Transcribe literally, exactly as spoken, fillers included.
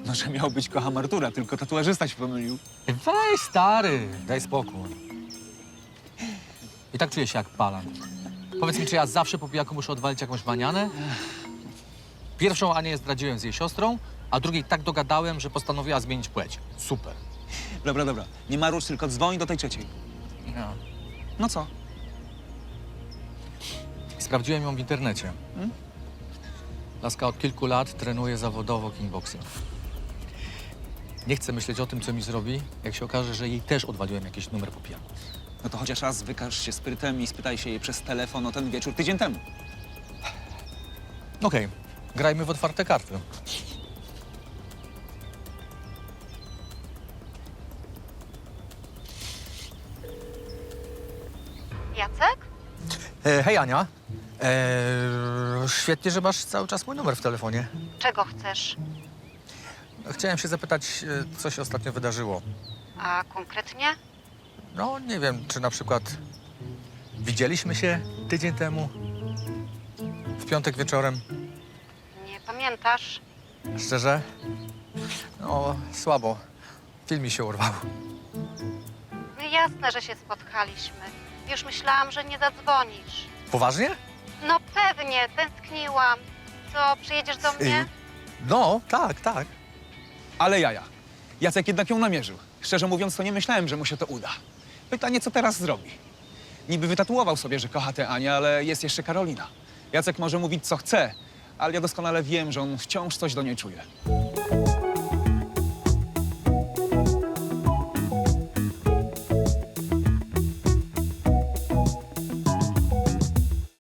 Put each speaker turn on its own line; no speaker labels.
No, że miał być kocham Artura, tylko tatuażysta się pomylił.
Weź, stary, daj spokój. I tak czuję się jak palant. Powiedz mi, czy ja zawsze po pijaku muszę odwalić jakąś manianę? Pierwszą Anię zdradziłem z jej siostrą, a drugiej tak dogadałem, że postanowiła zmienić płeć. Super.
Dobra, dobra, nie marusz, tylko dzwoń do tej trzeciej.
No.
No co?
Sprawdziłem ją w internecie.
Hmm?
Laska od kilku lat trenuje zawodowo kickboxing. Nie chcę myśleć o tym, co mi zrobi, jak się okaże, że jej też odwaliłem jakiś numer po pijaku.
No to chociaż raz wykaż się sprytem i spytaj się jej przez telefon o ten wieczór tydzień temu.
Okej, grajmy w otwarte karty.
Jacek?
E, hej, Ania. E, świetnie, że masz cały czas mój numer w telefonie.
Czego chcesz?
Chciałem się zapytać, e, co się ostatnio wydarzyło.
A konkretnie?
No, nie wiem, czy na przykład widzieliśmy się tydzień temu, w piątek wieczorem.
Nie pamiętasz?
Szczerze? No, słabo. Film mi się urwał.
No jasne, że się spotkaliśmy. Już myślałam, że nie zadzwonisz.
Poważnie?
No pewnie, tęskniłam. Co, przyjedziesz do mnie?
Y, no, tak, tak.
Ale jaja. Jacek jednak ją namierzył. Szczerze mówiąc, to nie myślałem, że mu się to uda. Pytanie, co teraz zrobi? Niby wytatuował sobie, że kocha tę Anię, ale jest jeszcze Karolina. Jacek może mówić, co chce, ale ja doskonale wiem, że on wciąż coś do niej czuje.